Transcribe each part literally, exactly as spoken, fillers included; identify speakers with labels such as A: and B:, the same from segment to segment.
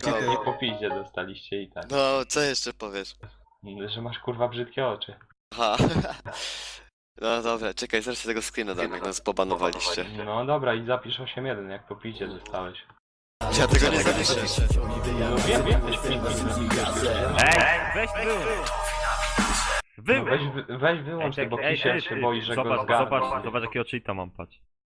A: Nie po piździe dostaliście i tak.
B: No, co jeszcze powiesz?
A: Że masz kurwa brzydkie oczy.
B: Aha. No dobra, czekaj, zaraz się tego screena dam, jak nas pobanowaliście.
A: No dobra i zapisz osiem jeden, jak po piździe dostałeś.
B: Ja tego nie zapiszę.
A: No wiem, wiem, też piździ.
C: Ej, weź wy!
A: No weź, wy- weź wyłącz to, bo Kisiel się boi, że go
C: zobacz,
A: zgarną.
C: zobacz, zobacz jakiego cheata mam, patrz.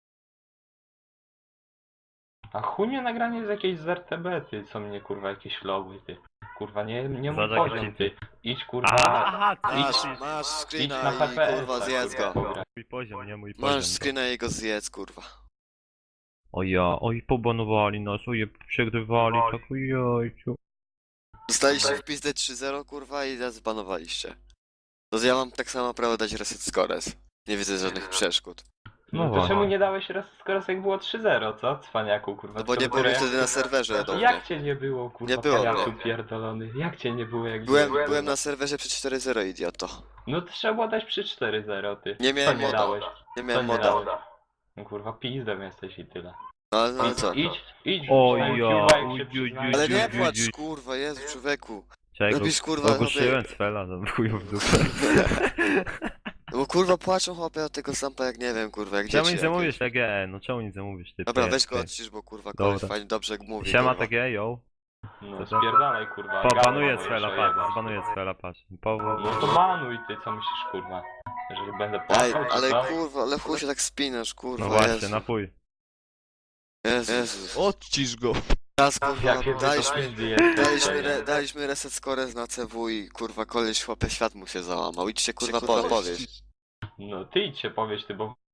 A: A chunie nagranie z jakiejś z R T B, ty, co mnie kurwa jakieś logy, ty. Kurwa, nie, nie mój
C: Zobacz,
A: poziom,
C: jaki
A: ty. Idź kurwa,
C: Aha, ty
B: Masz, masz
A: idź
B: screena
A: na
B: i
A: P P S.
B: kurwa zjedz go.
C: mój poziom, nie mój poziom.
B: Masz screena i go zjedz, kurwa.
C: O ja, oj pobanowali nas, oj przegrywali, tak ojejciu.
B: Dostaliście w pizdę trzy zero, kurwa, i nas zbanowaliście. No to ja mam tak samo prawo dać reset scores. Nie widzę żadnych przeszkód.
C: No
A: No to
C: właśnie.
A: czemu nie dałeś raz skoro jak było trzy zero, co? Cwaniaku, kurwa.
B: No bo
A: co
B: nie
A: dopiero
B: było
A: jak-
B: wtedy na serwerze do mnie.
A: Jak cię nie było, kurwa,
B: Nie było
A: pajacu
B: mnie.
A: pierdolony? Jak cię nie było, jak
B: Byłem,
A: było?
B: byłem na serwerze przy cztery zero, idioto.
A: No to trzeba było dać przy cztery zero, ty.
B: Nie miałem
A: Co nie
B: moda.
A: dałeś?
B: Nie
A: Co
B: miałem
A: nie
B: moda.
A: dałeś? No kurwa, pizdem jesteś i tyle.
B: No ale, no, ale
A: Idź,
B: co?
A: idź, idź.
C: O
A: wrzuć
C: ja,
A: na YouTube'a, jak
C: uj,
A: się
C: uj,
A: przyznajesz.
B: Ale nie
C: Ju, ju,
B: płacz,
C: ju.
B: kurwa, Jezu, człowieku.
C: Czego?
B: Robisz, kurwa,
C: Ogłuszyłem Sfela, no chuju w dupę.
B: No bo kurwa płaczą chłopie od tego sampa jak nie wiem, kurwa, jak
C: Czemu
B: dzieci
C: nic nie
B: jakieś.
C: mówisz T G? No czemu nic nie mówisz, ty?
B: Dobra,
C: ty,
B: weź go
C: ty.
B: odcisz, bo kurwa koleś
C: Dobra.
B: fajnie dobrze mówi,
C: Siema
B: kurwa.
C: T G, yo.
A: No spierdalaj, kurwa.
C: Po,
A: gadaj,
C: banuję
A: no,
C: Sfela,
A: jeszcze
C: patrz,
A: jebać.
C: banuję Sfela, patrz. Po,
A: No to banuj ty, co myślisz, kurwa? Jeżeli będę
B: Ej,
A: płakał, czy
B: ale
A: co?
B: kurwa, ale chuj się tak spinasz, kurwa,
C: no właśnie,
B: Jezu.
C: napój.
B: Jezus.
D: Odcisz go.
B: Teraz kurwa,
A: Jakie
B: daliśmy,
A: pizdy jesteś,
B: daliśmy,
A: nie?
B: re, daliśmy reset scores na C W i kurwa koleś chłopie świat mu się załamał. Idźcie kurwa po, powiedz.
A: No ty idź się powiedz, ty, bo...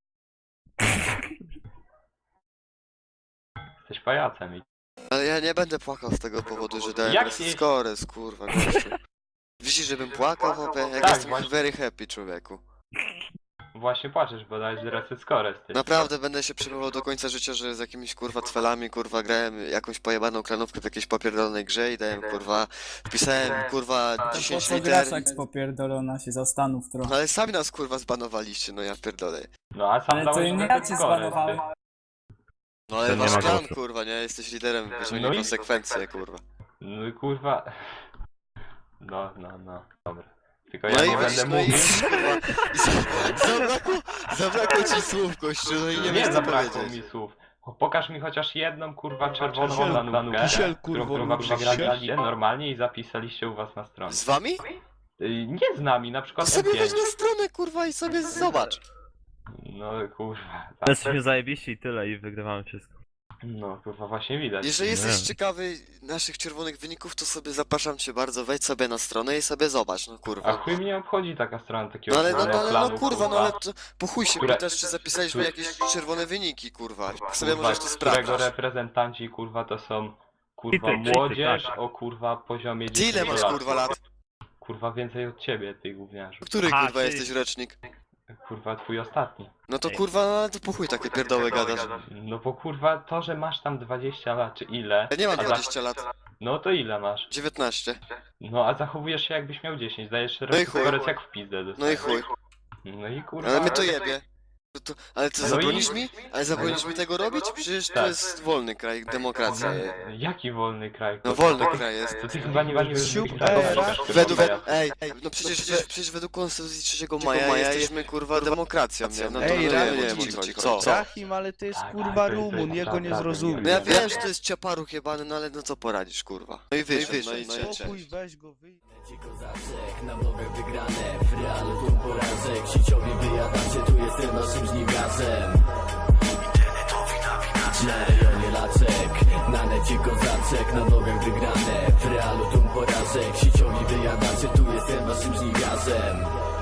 A: Jesteś pajacem i...
B: Ale ja nie będę płakał z tego powodu, że dałem
A: Jak
B: reset
A: nie-
B: scores, kurwa, gościu. Widzisz, żebym płakał, chłopie? Jak
A: Tak,
B: jestem
A: właśnie.
B: very happy, człowieku.
A: Właśnie płaczesz, bo dałeś reset scores, ty.
B: Naprawdę będę się przejmował do końca życia, że z jakimiś kurwa twelami, kurwa, grałem jakąś pojebaną klanówkę w jakiejś popierdolonej grze i dałem kurwa, wpisałem kurwa
E: Po
B: dziesięć
E: co
B: liter.
E: grasz jak popierdolona się, zastanów trochę.
B: No ale sami nas kurwa zbanowaliście, no ja pierdolę.
A: No a sam
E: Ale to
A: dałeś
E: nie
A: reset
E: ja cię
A: scores,
E: zbanowałem.
A: ty.
B: No ale
C: To nie
B: masz
C: ma
B: klan,
C: głosu.
B: kurwa, nie? Jesteś liderem, wyciągnij
A: No i-
B: konsekwencje, kurwa.
A: No i kurwa... No, no, no, dobra. Tylko
B: No
A: ja
B: i
A: nie
B: weź,
A: będę
B: no i
A: mówił...
B: kurwa, i za- zabrakło, zabrakło ci słów, gościu, no i nie
A: Nie,
B: wiesz co
A: zabrakło
B: powiedzieć.
A: mi słów. Pokaż mi chociaż jedną kurwa czerwoną
D: Kisiel,
A: planówkę,
D: kisiel,
A: którą
D: kurwo,
A: kurwa
D: lubisz
A: przegraliście normalnie i zapisaliście u was na stronie.
B: Z wami?
A: Y, Nie z nami, na
B: To
A: przykład
B: sobie
A: M
B: weź
A: pięć.
B: na stronę, kurwa, i sobie zobacz.
A: No kurwa, tak.
C: Jesteśmy zajebiści i tyle i wygrywamy wszystko.
A: No kurwa, właśnie widać.
B: Jeżeli jesteś
C: Nie.
B: ciekawy naszych czerwonych wyników, to sobie zapraszam cię bardzo, wejdź sobie na stronę i sobie zobacz, no
A: A
B: kurwa.
A: chuj mnie obchodzi taka strona takiego
B: No ale, no, no, ale, no
A: planu,
B: kurwa, no ale to, po chuj się
A: Które-
B: pytasz, czy zapisaliśmy jakieś czerwone wyniki, kurwa. Sobie
A: kurwa,
B: możesz to
A: którego
B: sprawdzić.
A: reprezentanci kurwa to są kurwa
C: Cheaty, cheaty,
A: młodzież
C: tak.
A: o kurwa poziomie
B: Ty ile masz kurwa lat?
A: Kurwa więcej od ciebie, ty gówniarzu.
B: Który
C: Aha,
B: kurwa
C: czyli-
B: jesteś rocznik?
A: Kurwa twój ostatni.
B: No to
C: Ej.
B: kurwa, no to po chuj takie pierdoły gadasz.
A: No bo kurwa to, że masz tam dwadzieścia lat czy ile.
B: Ja nie mam
A: a za-
B: dwudziestu lat,
A: No to ile masz?
B: dziewiętnaście.
A: No a zachowujesz się jakbyś miał dziesięć, dajesz
B: No i
A: reset
B: chuj.
A: scores jak w pizdę
B: No i
A: dostajesz.
B: chuj.
A: No i kurwa.
B: Ale mnie to jebie. No to, ale ty
A: No i-
B: zabronisz mi? Ale zabronisz mi tego robić? Przecież to
A: Tak.
B: jest wolny kraj, demokracja.
A: Jaki wolny kraj?
B: No wolny kraj jest.
A: To ty chyba nie nie wiesz,
D: Siup,
A: jaki kraj
D: era.
A: pokaż, kurwa,
B: Według,
A: ja-
B: ej, no przecież, przecież, przecież według Konstytucji trzeciego maja jesteśmy kurwa demokracją, nie? No to
D: Ej,
B: no,
D: Rafał,
B: nie wiem o
D: ci-
B: co ci co?
D: Zachim, ale to jest
A: Tak,
D: kurwa
A: tak, to jest-
D: Rumun,
A: to jest
D: jego nie
A: prawda,
D: zrozumie.
B: No ja wiem, że to jest ciaparuch jebany, no ale no co poradzisz, kurwa. No i wyszedł, no i
D: Spokój,
B: cześć.
D: weź go, wyjdź.
F: Kozaczek, na nogach wygrane, w realu tu porażek, sieciowi wyjadacie, tu jestem waszym żniwiarzem. Internetowi nawinacze, na rejonie laczek, na necie kozaczek, na nogach wygrane, w realu tu porażek, sieciowi wyjadacie, tu jestem waszym żniwiarzem.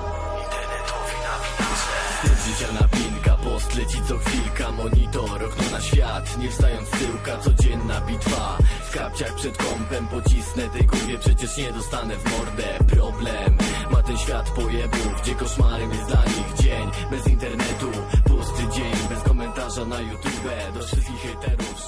F: Internetowi nawinacze, styl życia napinka, post leci co chwilka, monitor, okno na świat, nie wstając z tyłka, codzienna bitwa. W kapciach przed kąpem pocisnę tej kurwie, przecież nie dostanę w mordę. Problem ma ten świat pojebów, gdzie koszmarem jest dla nich dzień bez internetu, pusty dzień bez komentarza na YouTube. Do wszystkich hejterów